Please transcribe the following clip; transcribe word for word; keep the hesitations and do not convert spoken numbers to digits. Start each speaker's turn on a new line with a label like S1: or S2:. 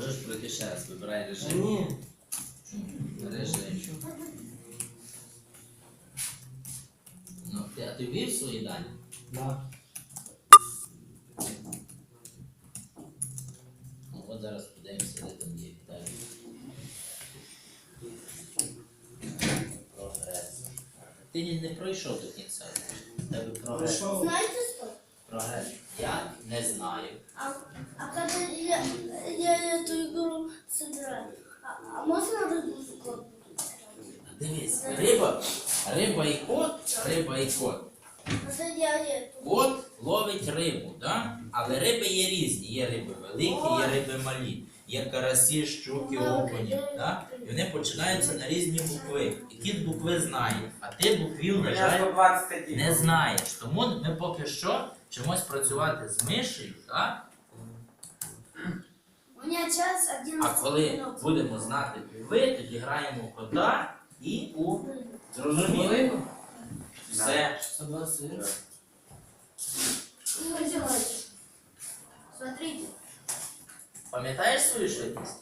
S1: Можеш пройти ще раз, вибирай режим.
S2: Ні.
S1: Режим. Ну, ти, а ти ввів свої дані?
S2: Да.
S1: Ну, от зараз подивимося, де там є Віталій. Прогрес. Ти не, не пройшов до кінця. В Тебе прогрес.
S2: Пройшов.
S3: Знаете что?
S1: Прогрес. Я не знаю.
S3: А, а когда я, я эту игру сыграю, а, а можно рыбу в кот?
S1: Дивись, риба, риба і кот, риба і кот.
S3: Просто я эту.
S1: Кот ловить рибу, да? Але риби є різні. Є риби великі, є риби малі. Є карасі, щуки, окуні. Да? І вони починаються на різні букви. І кіт букви знає, а ти буквів, на жаль,
S2: сто двадцять один.
S1: не знаєш. Тому ми поки що вчимось працювати з мишею, так?
S3: У меня час
S1: А
S3: одиннадцать
S1: коли
S3: минут.
S1: будемо знати букви, тоді граємо в кота і у зрозуміло. Все.
S2: сто двадцять один.
S3: Ну, делайте. Смотрите.
S1: Пам'ятаєш свою швидкість?